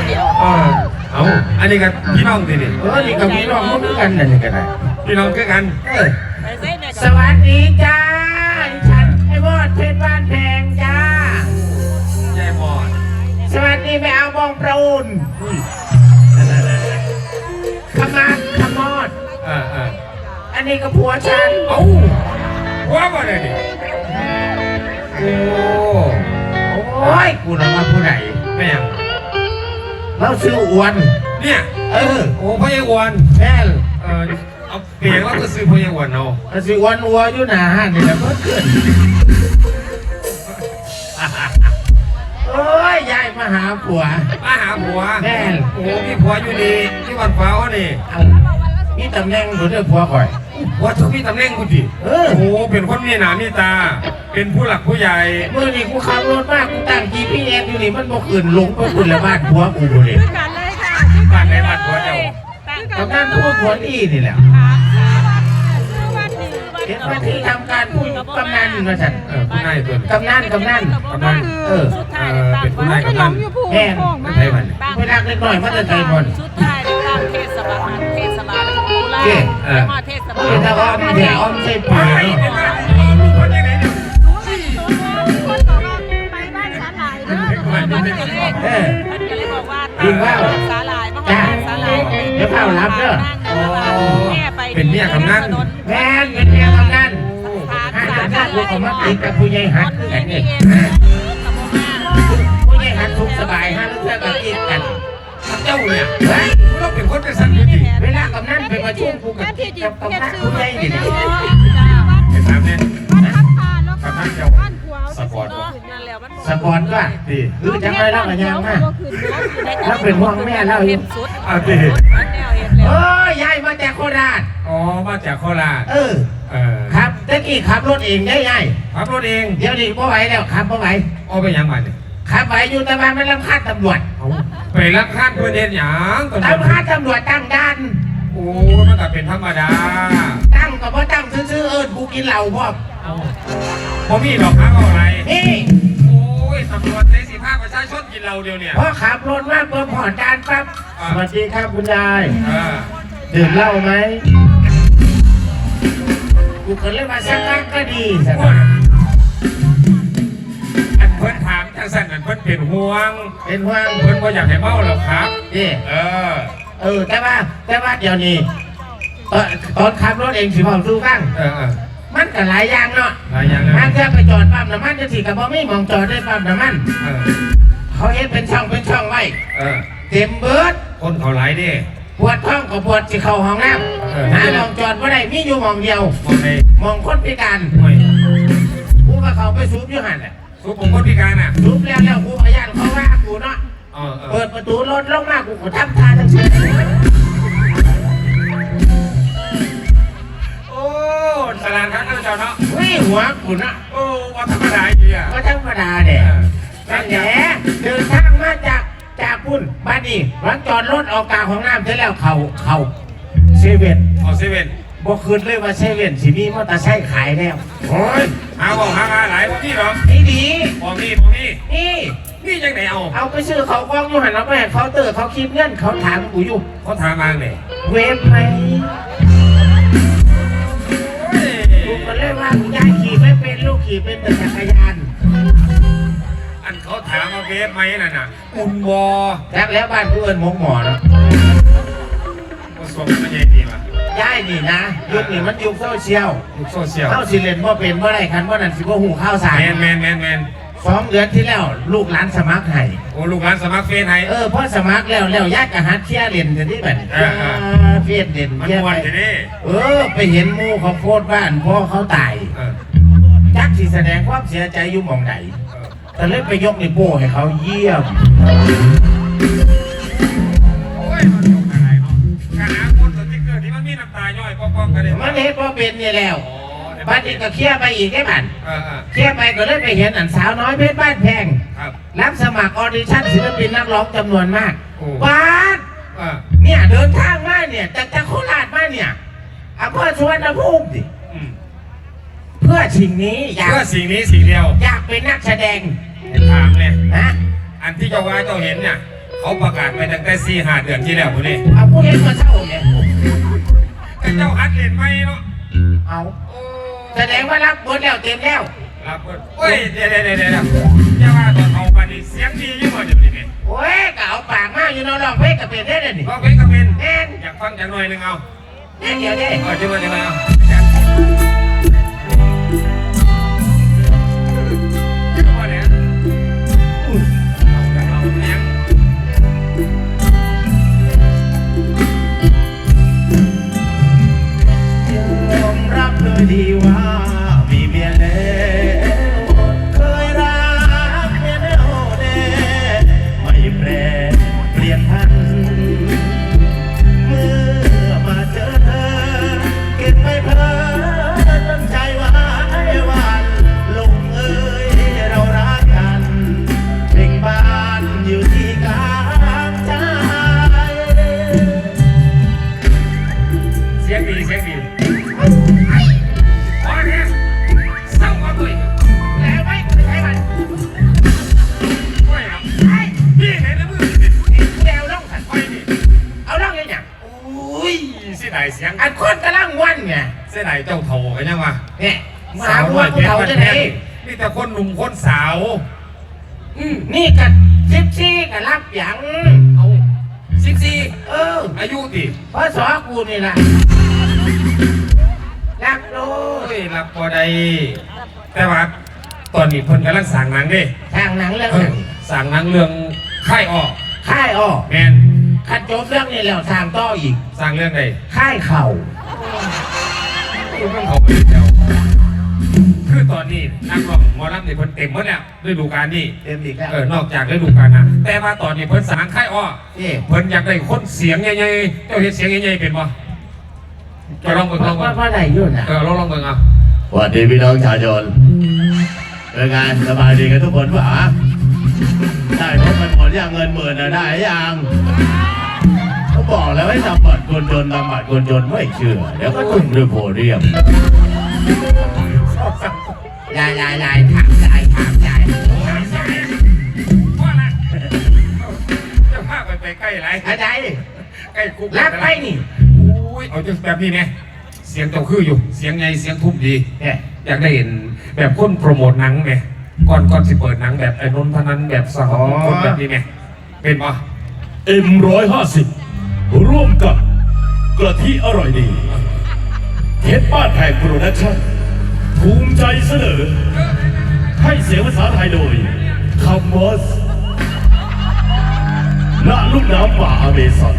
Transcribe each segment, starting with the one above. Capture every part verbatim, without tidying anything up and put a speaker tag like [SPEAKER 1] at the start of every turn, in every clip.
[SPEAKER 1] เดียว
[SPEAKER 2] เออเอาอันนี้กันพี่น้องสินี่
[SPEAKER 3] เออนี่กับพี่น้องมันคือกันนั่นนี่กันได้
[SPEAKER 2] พี่น้องคือกัน
[SPEAKER 3] เออสวัสดีจ้าฉันไอ้บอดเพชรบ้านแพงจ้ายาย
[SPEAKER 2] บอด
[SPEAKER 3] สวัสดีไปเอาบองประอุนขมาขมอด
[SPEAKER 2] เออเออ
[SPEAKER 3] อันนี้ก็ผัวฉัน
[SPEAKER 2] เอ้าว่าบ่ได้ดิโอ้
[SPEAKER 3] โอ้ยกูน่ะว่าผู้ใด
[SPEAKER 2] ไม่ยัง
[SPEAKER 3] เราซื้ออ้วน
[SPEAKER 2] เนี่ย
[SPEAKER 3] เออ
[SPEAKER 2] โอ้พ่อใหญ่อ้วน
[SPEAKER 3] แม่
[SPEAKER 2] เออเอาเปลี่ยนว่าก็ซื้อพ่อใหญ่อ้วนเอา
[SPEAKER 3] ซื้ออ้วนอ้วนอยู่หน้าห้างนี่แหละเพิ่งขึ้นโอ้ยยายมาหาผัว
[SPEAKER 2] มาหาผัว
[SPEAKER 3] แม่
[SPEAKER 2] โอ้พี่ผัวอยู่ดีที่วันฟ้าเขานี่
[SPEAKER 3] มีตำแหน่งหรือเรื่องผัวก่อย
[SPEAKER 2] ว่าทุกพี่ตำแหน่งกูดิโอ้โหเป็นคนมีหน้ามีตาเป็นผู้หลักผู้ใหญ่
[SPEAKER 3] เมื่อนี้กูขับรถมากกูตั้ง จี พี เอส อยู่นี่มันบอกอื่นลงไปคุณละบ้านผัวกูเลย
[SPEAKER 2] บ้านไหนบ้านผัวเจ้า
[SPEAKER 3] ตำแหน่งผัวผัวนี่นี่แหละเห็นว่าที่ทำการพูดกำนันมาสั่น
[SPEAKER 2] เออผู้นายตัว
[SPEAKER 3] กำนันกำนัน
[SPEAKER 2] กำนันเออเป็นผู้นายกำนัน
[SPEAKER 3] แม่
[SPEAKER 2] ไม่ใช่มัน
[SPEAKER 3] ไม่รักเล็กน้อยมันจะใจบอล
[SPEAKER 1] ชุดไทยตามเทศบาลเทศบาลกุลาเทศบาล
[SPEAKER 3] ถ้าอ้อมเดี๋ยวอ้อมใช่ป่า
[SPEAKER 1] คนยังไงเนี่ยคนบอกว่าไปบ้านสาหร่ายเนอะเออก็เลยบอกว่า
[SPEAKER 3] จริงว่า
[SPEAKER 1] สาหร่ายมาหาสาหร่าย
[SPEAKER 3] เดี๋ยวเข้ารับเด้อ
[SPEAKER 2] เป็นเมียกำนัน
[SPEAKER 3] แม่เป็นเมียกำนันห้าจะพูดกับมาติดกับผู้ใหญ่หัดกันนี่ผู้ใหญ่หัดทุกสบายฮะแล้วเพื่อนก็กินกัน
[SPEAKER 2] เจ้าเนี่ยเฮ้ยเราเป็นคนเป็นสันนิษฐาน
[SPEAKER 3] เวลากำนันเป็นมาช่วงกูกับกับกำนันผู้ใหญ่นี่
[SPEAKER 2] ไอ้สามเนี่ยกำนันเจ้าสปอร์ต
[SPEAKER 3] สปอร์ตก็ดีคือจังไรเล่ากันยังมาแล้วเป็นห่วงแม่เล่าอยู่
[SPEAKER 2] อ่ะดี
[SPEAKER 3] เออยายมาจากโคราช
[SPEAKER 2] อ๋อมาจากโคราช
[SPEAKER 3] เออเออครับตะกี้ขับรถเองได้ยาย
[SPEAKER 2] ขับรถเอง
[SPEAKER 3] เดี๋ยวนี้ไม่ไหวแล้วขับไม่ไหว
[SPEAKER 2] เอาไปยังไงเนี่ย
[SPEAKER 3] ขับไหวอยู่แต่บ้านไม่รับคาดตำรวจ
[SPEAKER 2] ไปรับคาดเพื่อนเด่นหยาง
[SPEAKER 3] ตำรวจตำรวจตั้งด้าน
[SPEAKER 2] โอ้มันก็เป็นธรรมดา
[SPEAKER 3] ตั้งก็เพราะตั้งซื้อเอิญกูกินเหล้าพ่อ
[SPEAKER 2] พอมีดอกค้างอะไร
[SPEAKER 3] นี่
[SPEAKER 2] โอ้ยตำรวจในสีผ้าประชาชนกินเหล้าเดียวเนี่ย
[SPEAKER 3] พอขับรถมาเปิดผ่อนด้านปั๊บสวัสดีครับคุณยายดื่มเหล้าไหมกูก็เลยมาสักพักก็ดีสัก
[SPEAKER 2] อันเพิ่นถามทางสั้นอันเพิ่นเป็นห่วง
[SPEAKER 3] เป็นห่วง
[SPEAKER 2] เพิ่นก็อยากให้เมาหรอกครับ
[SPEAKER 3] นี่
[SPEAKER 2] เออ
[SPEAKER 3] เออแต่ว่าแต่ว่าเดี๋ยวนี้ตอนขับรถเองสิพ่อสู้ฟัง
[SPEAKER 2] เออ
[SPEAKER 3] มันก็หลายอย่างเนาะ
[SPEAKER 2] หลายอย่าง
[SPEAKER 3] นะมันจะไปจอดปั๊มน้ำมันจะสิกับบ่มีมองจอดได้ปั๊มน้ำมันเขาเห็นเป็นช่องเป็นช่องไว้เต็มเบิด
[SPEAKER 2] คนเขาหลายดิ
[SPEAKER 3] ปวดท้องกับปวดสิเข้าห้องน้ำหามองจอดไม่ได้มีอยู่มองเดียว
[SPEAKER 2] มองไหน
[SPEAKER 3] มองคนพิการกูก็เขาไปสูบอยู่หันแหละ
[SPEAKER 2] สูบผมคนพิการอ่ะ
[SPEAKER 3] สูบแล้วแล้วกูพยานเขาว่ากูเนาะเปิดประตูรถลงมากูก็ทำท่าทั้งสิ้น
[SPEAKER 2] โอ้สลานครับท่านเจ้าเนาะ
[SPEAKER 3] วิ่งหัวกูเนาะ
[SPEAKER 2] โอ้ว่าธรรมดาอยู่อ่ะ
[SPEAKER 3] ว่าธรรมดาเด็กนั่นแหละเดินทางมาจากจากพุ่นบ้านนี้หลังจอดรถออกกลางของน้ำเสร็จแล้วเขาเขาเซเว่น
[SPEAKER 2] อ๋อเซเว่น
[SPEAKER 3] บอกคืนเลยว่าเซเว่นสิมีมอเตอร์ไซค์ขายแล้ว
[SPEAKER 2] โอ้ยหาบอกหามาหลายพวกนี้หรอ
[SPEAKER 3] นี่ดี
[SPEAKER 2] บอกนี่บอกนี่
[SPEAKER 3] นี่
[SPEAKER 2] นี่ยังไหนเอา
[SPEAKER 3] เอาไปซื้อเขากล้องอยู่หันแล้วไปเขาเตอร์เขาคิดเงินเขาถามกูอยู่
[SPEAKER 2] เขาถามมาไง
[SPEAKER 3] เว็บไหมกูก็เลยว่ากูยายขี่ไม่เป็นลูกขี่เป็นแต่จักรยาน
[SPEAKER 2] อันเขาถามมาเว็บไหมน่ะน่ะอุ่นวอ
[SPEAKER 3] แล้แล้วบ้านกูเอิญหมกหมอเนาะ
[SPEAKER 2] ผสมมันใหญ่ดีมั้ย
[SPEAKER 3] ย้ายนี่นะยุคนี้มันยุคโซเชียล
[SPEAKER 2] ยุคโซเชียล
[SPEAKER 3] เข้าสิเลนว่าเป็นว่าไรคันว่านั่นสิว่าหูข้าวสาร
[SPEAKER 2] แมนแมนแมนแมน
[SPEAKER 3] สองเดือนที่แล้วลูกหลานสมัครให้
[SPEAKER 2] โอ้ลูกหลานสมัครเฟซให้
[SPEAKER 3] เออพอสมัครแล้วแล้วญาติกะฮัดเที่ยเล่นกันที่แบบเฟซเล่น
[SPEAKER 2] เที่ยไป
[SPEAKER 3] เออไปเห็นมูเขาโพสบ้านพ่อเขาตายจักสิแสดงความเสียใจอยู่หม่องไหนแต่เล่นไปยกในโป้ให้เขาเยี่ยม
[SPEAKER 2] โอ้ยมันยกอะไรเนาะกระหาคนสติ๊กเกอร์ที่มันมีน้ำตาย่อยป้องๆกันเลย
[SPEAKER 3] มันเห็นว่าเป็นนี่แล้วบ้านนี้ก็เคลียร์ไปอีกได้บ้านเคลียร์ไปก็เลยไปเห็นอันสาวน้อยเพชรบ้านแพงรับสมัครออดิชั่นศิลปินนักร้องจำนวนมากบ้านเนี่ยเดินทางมาเนี่ยจากจากโคราชมาเนี่ยอำเภอสุวรรณภูมิดิเพื่อสิ่งนี้
[SPEAKER 2] อยากเพื่อสิ่งนี้สิ่งเดียว
[SPEAKER 3] อยากเป็นนักแสดง
[SPEAKER 2] ถามเลย
[SPEAKER 3] ฮะ
[SPEAKER 2] อันที่เจ้าว่าเจ้าเห็นเนี่ยเขเขาประกาศไปตั้งแต่สี่ห้าเดือนที่แล้วพวกนี้
[SPEAKER 3] เอาผู้เห็นมาเช่าเนี่ย
[SPEAKER 2] แต่เจ้าอัดเล่นไหมเนาะ
[SPEAKER 3] เอาแสดงว่ารับบทแล้วเต็มแล้ว
[SPEAKER 2] รับเปิดโอ้ยเดี๋ยวเดี๋ยวเดี๋ยวเดี๋ยวอย่าว่าตอนเขาปานีเสียงดียิ่งกว่าเดี๋ยวนี้เนี่ย
[SPEAKER 3] โอ้ยก็เอาปากมากอยู่เนอนร้องเพลงกับเป็นได้เลยนี่
[SPEAKER 2] ก็เป็นก็เป็น
[SPEAKER 3] แน่น
[SPEAKER 2] อยากฟังอย่างหน่อยหนึงเอา
[SPEAKER 3] แน่นเดียวได้
[SPEAKER 2] เออจะมาจะมาเอาว่าเนี่ยเอาเอาเสียง
[SPEAKER 3] ยอมรับเลยดีว่ามีเมียแล้วเคยรักเมียแล้วแน่ไม่แปรเปลี่ยนพันเมื่อมาเจอเธอเก็บไม่เพลินตั้งใจไว้วันลงเอ่ยเรารักกันเพ่งบ้านอยู่ที่กลางใจ
[SPEAKER 2] เสียงดีเสียงดีพอเนี่ยเศร้าก็ด้วย
[SPEAKER 3] แล้วไม่ไม่ใช่มัน
[SPEAKER 2] ไม่ครับพี่เห็นแล้วมือ
[SPEAKER 3] แนวล่องสัน
[SPEAKER 2] ไปนี่
[SPEAKER 3] เอาล่องยังไง
[SPEAKER 2] โอ้ยเสียดายเสียง
[SPEAKER 3] อันคนกำลังวันไง
[SPEAKER 2] เสียดายเจ้าเถ่ากันยังวะ
[SPEAKER 3] เนี่ยมาพวกเขาจะไหน
[SPEAKER 2] นี่แต่คนหนุ่มคนสาว
[SPEAKER 3] อืมนี่กับซิปซี่กับรับหยัง
[SPEAKER 2] เอาสิบสี่
[SPEAKER 3] เออ
[SPEAKER 2] อายุดิ
[SPEAKER 3] เพราะสอกูนี่แหละรับโล
[SPEAKER 2] โอ้ยรับพอได้แต่ว่าตอนนี้เพิ่นกำลังสั่งหนังดิ
[SPEAKER 3] ทางหนังเรื่อง
[SPEAKER 2] เอ
[SPEAKER 3] ห
[SPEAKER 2] อ
[SPEAKER 3] นัง
[SPEAKER 2] สั่งหนังเรื่องค่ายออก
[SPEAKER 3] ค่ายอ้อ
[SPEAKER 2] แมน
[SPEAKER 3] ขัดจบเรื่องนี้แล้วทางต่ออีก
[SPEAKER 2] สั่งเรื่องใด
[SPEAKER 3] ค่ายเข่า
[SPEAKER 2] คุณต้องเขาไปเดียวคือตอนนี้นักร้องหมอลำนี่เพิ่นเต็มหมดแล้วฤดูกาลนี้
[SPEAKER 3] เต็มอีกแล้ว
[SPEAKER 2] เออนอกจากฤดูกาลนะแต่ว่าตอนนี้เพิ่นสั่งค่ายอ้อ
[SPEAKER 3] นี่
[SPEAKER 2] เพิ่นอยากได้คนเสียงใหญ่ๆเจ้าเห็นเสียงใหญ่ๆเป็นบ่จะลองเบิ่งลองเบิ่
[SPEAKER 3] ว่าง ว่าไหนอยู่น่ะ
[SPEAKER 2] เออลองลองเบิ่งเอา
[SPEAKER 4] สวัสดีพี่น้องชาวชนเป็นไงสบายดีกันทุกคนปะได้ครบไปหมดยังเงินหมื่นนะได้ยังเขาบอกแล้วให้ทำบัตรคนจนทำบัตรคนจนไม่เชื่อ เดี๋ยวก็ตุ้มด้วยโพเดียม
[SPEAKER 3] ยายยายยายถามยายถามยายถามยาย
[SPEAKER 2] ว่าละจะพาไปไปใกล้ไร
[SPEAKER 3] อาจารย์
[SPEAKER 2] ใกล้คุก
[SPEAKER 3] รับไปนี่
[SPEAKER 2] โอ้ยเอาจังแบบนี้เนี่ยเสียงเจ้าคืออยู่เสียงไงเสียงทุ่มดี
[SPEAKER 3] เนี่ย
[SPEAKER 2] อยากได้เห็นแบบคนโปรโมทหนังไหมก่อนก่อนสิเปิดหนังแบบไอ้นนท์พนันแบบสหคนแบบนี้ไหมเป็นปะ
[SPEAKER 4] เอ็มร้อยห้าสิบร่วมกับกระทิอร่อยดีเทปบ้านแพงโปรดักชั่นภูมิใจเสนอ ให้เสียงภาษาไทยโดยคำมอสณลุ่มน้ำป่าอเมซอน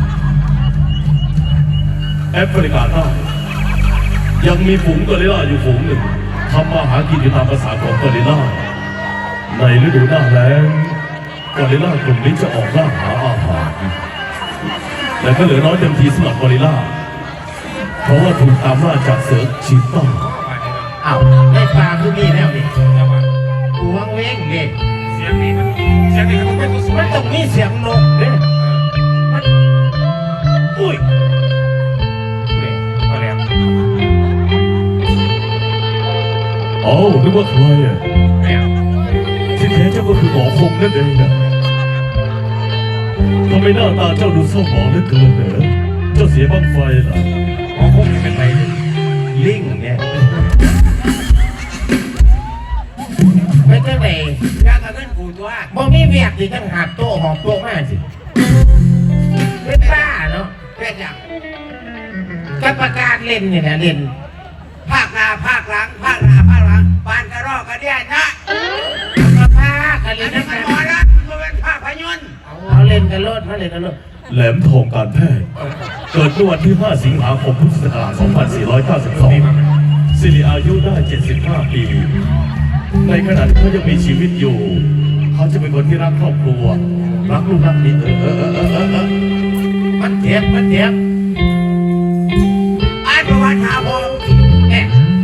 [SPEAKER 4] แอฟริกาใต้ยังมีฝูงกอริลลาอยู่ฝูงหนึ่งทำมาหากินอยู่ตามภาษาของกอริลลาในฤดูหน้าแล้งกอริลลากลุ่มนี้จะออกล่าหาอาหารแต่ก็เหลือน้อยเต็มทีสำหรับกอริลลาเพราะว่าถูกตามล่าจากเสือชีต้า
[SPEAKER 3] อ้าวได้ปลาคือมีแล้วนี่
[SPEAKER 2] จะมา
[SPEAKER 3] กูวังเว้งนี่
[SPEAKER 2] เสียงนี้มันเสียงนี้ก็ต้องเป็นผู้สูง
[SPEAKER 3] มันต้องมีเสียงนกเนี่ยมันอุ้ย
[SPEAKER 2] ก็แล้ว
[SPEAKER 4] โอ้นึกว่าใครอ่ะ
[SPEAKER 2] แล้ว
[SPEAKER 4] ที่แท้เจ้าก็คือหมอคงนั่นเองนะทำไมหน้าตาเจ้าดูเศร้าหมองเหลือเกินเหรอเจ้าเสียบ้างไฟเหรอ
[SPEAKER 2] หมอคงเป็นไร
[SPEAKER 3] ลิงเนี่ยไม่ใช่ไหนยากระเงินกูตัวบ่มีเวียกดิจังหักโต๊ะหอบโต๊ะมาสิเป็นบ้าเนาะเป็นอย่างกับประกาศเล่นเนี่ยนะเล่น
[SPEAKER 5] ภาคหน้าภาคหลังภาคหน้าภาคหลังปานกระรอกกระเดียนะ
[SPEAKER 3] มาพากัน
[SPEAKER 5] อั
[SPEAKER 3] เล่
[SPEAKER 5] น
[SPEAKER 3] น
[SPEAKER 5] นี้
[SPEAKER 3] นะ
[SPEAKER 5] มันหมอละมันเป็นภาพยนตร์
[SPEAKER 3] เอาเล่นกันโลดมาเล่นกันโลด
[SPEAKER 4] แหลมทองการแพทย์เกิดเมื่อวันที่ ห้า สิงหาคม พุทธศักราช สองพันสี่ร้อยเก้าสิบสอง สิริอายุได้ เจ็ดสิบห้า ปี ในขณะที่เขายังมีชีวิตอยู่ เขาจะเป็นคนที่รักครอบครัว รักลูกรักเมียเออเออเออเออเออเออ
[SPEAKER 3] มันเจ็บมันเจ็บ
[SPEAKER 5] อ่านประวัติหาผม
[SPEAKER 3] เนี่ย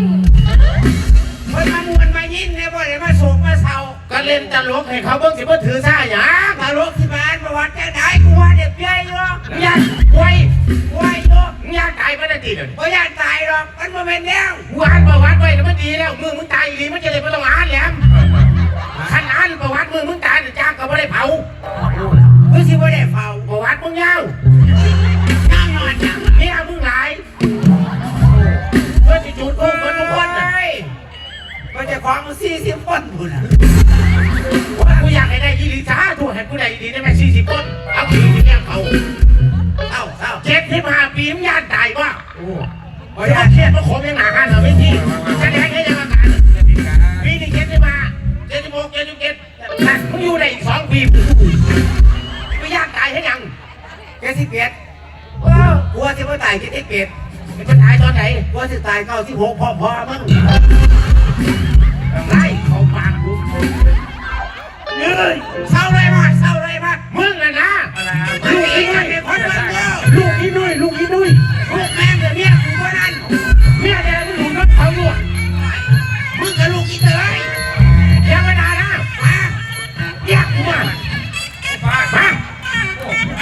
[SPEAKER 5] มันมามวนมายิ้มเนี่ยบ่ได้มาโศกมาเศร้า
[SPEAKER 3] ก็เล่นตลกให้เขาเบิ่งสิบ่ถือซ่าหยัง
[SPEAKER 5] ตลกที่มาอ่านประวัติจะได้กูว่าเด็กใหญ่เนาะ
[SPEAKER 3] ยันไว้
[SPEAKER 5] ไว้เนาะ
[SPEAKER 3] ยาตายมันได้ดีเดี๋ยวนี้
[SPEAKER 5] บ่อยากตายหรอกมันบ่เป็นแนว
[SPEAKER 3] กูอ่านประวัติไว้แล้วมันดีแล้วมึงมึงตายอีหลีมันจะเลยไม่ต้องอ่านแหลมขันอ่านประวัติมึงมึงตายเนี่ยจ้างก็ไม่ได้เผาคือ
[SPEAKER 5] สิบ่ได้เฝ้า
[SPEAKER 3] ประวัติมึงยาว
[SPEAKER 5] ย่างนอนย่าง
[SPEAKER 3] เนี่ยมึงหลายเพื่อจะจุดกูเหมือนทุกคนน่ะ
[SPEAKER 5] ก็จะคว้างมาสี่สิบคนพุ่นน่ะ
[SPEAKER 3] ว่ากูอยากให้ได้ยี่ลิซ่าถูกให้กูได้ยี่ลิได้ไหมสี่สิบคนเอาขี่ที่เนี่ยเขา
[SPEAKER 5] เอ้าเอ้า
[SPEAKER 3] เจ็ดสิบห้าปีมึงย่านตายว่า
[SPEAKER 2] โอ้
[SPEAKER 3] โอ้ยเครียดเพราะขมยังหนากันเหรอไม่ที่แสดงให้ยังอาการปีนี้เจ็ดสิบห้าเจ็ดสิบหกเจ็ดสิบเจ็ดนั่นมึงอยู่ได้อีกสองปีไม่ย่านตายให้ยัง
[SPEAKER 5] เจ็ดสิบเอ็ด
[SPEAKER 3] เออก
[SPEAKER 5] ลัวสิบ่ตายเจ็ดสิบเอ็ด
[SPEAKER 3] มันจะตายตอนไหน
[SPEAKER 5] กลัวสิตายเก้าสิบหกพ่อพ่อมึง
[SPEAKER 3] ไล่เขาปากกูเฮ้ย
[SPEAKER 5] เศร้าเลยมาเศร้าเลยมา
[SPEAKER 3] มึงน่ะนะ
[SPEAKER 2] อะไร
[SPEAKER 5] ลูกอีกเป็นคนเบิ่งเด้อ
[SPEAKER 3] ลูกอีนุ้ยลูกอีนุ้ย
[SPEAKER 5] ลูกแม่งกับเมียกูก็นั่น
[SPEAKER 3] เมียแดงมึงหลุดรถเขาอยู่
[SPEAKER 5] มึงกับลูกอีเตย
[SPEAKER 3] ยังไม่ได้นะ
[SPEAKER 5] มา
[SPEAKER 3] เรียกกูมา
[SPEAKER 2] บ้า
[SPEAKER 3] มา
[SPEAKER 2] โอ้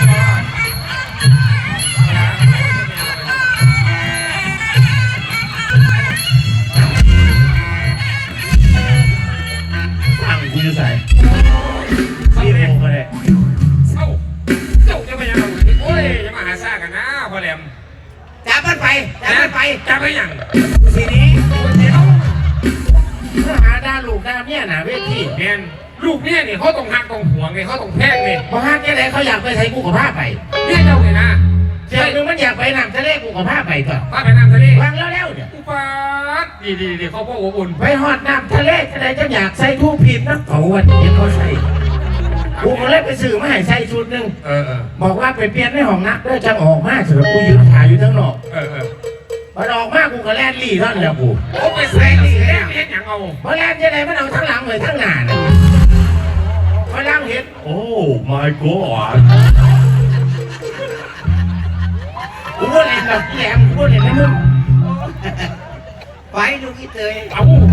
[SPEAKER 3] ฟังกูจะใส่
[SPEAKER 2] เศร้า
[SPEAKER 3] พี่
[SPEAKER 2] เลย
[SPEAKER 3] โมก็ได้
[SPEAKER 2] เศร้าเจ้าจะไปยังไงโอ้ยจะมาหาซ่ากันนะพ่อแหลม
[SPEAKER 5] จับมันไปจับมันไป
[SPEAKER 2] จะไปยัง
[SPEAKER 5] ทีนี้
[SPEAKER 2] เดี๋ยว
[SPEAKER 3] เมื่อหาด้าลูกด้าเมียหนาเวที
[SPEAKER 2] เมียนลูกเนี่ยนี่เขาต้องหักต้องห่วงไงเขาต้องแพงนี่
[SPEAKER 3] พอฮักแค่ไหนเขาอยากไปใช้กูกับผ้าไป
[SPEAKER 2] เนี่ยเจ้าเลยนะ
[SPEAKER 3] เจ้านึงมันอยากไปนำทะเลกูกับผ้าไปต่อ
[SPEAKER 2] พาไปน้ำทะเล
[SPEAKER 3] วางแล้วแล้วเนี่ย
[SPEAKER 2] อุปาทดีดีดีเขาพ่ออบอุ่น
[SPEAKER 3] ไปหอดน้ำทะเลจะไหนจะอยากใส่ทูพิมพ์นะเขาวันนี้เขาใส่กูก็เลยไปซื้อมาให้ใส่ชุดหนึ่ง
[SPEAKER 2] เออเออ
[SPEAKER 3] บอกว่าไปเปลี่ยนในห้องนักเด้อจะออกมาเสือกูยืนถ่ายอยู่ทั้งนอก
[SPEAKER 2] เออเออ
[SPEAKER 3] พอออกมากูก็แล่นลี่ท่อนแล้วกู
[SPEAKER 2] โอ้ไปใส่นี่เฮ็ดยังเอา
[SPEAKER 3] พอแล่นจะไหนมันเอาทั้งหลังเลยทั้งหน้าน่ะพอหลังเห็น
[SPEAKER 4] โอ้ my god
[SPEAKER 3] กูก็เล่นแบบแหลมกูก็เล่นให้มึง
[SPEAKER 5] ไปลูกอีเตย
[SPEAKER 2] เอา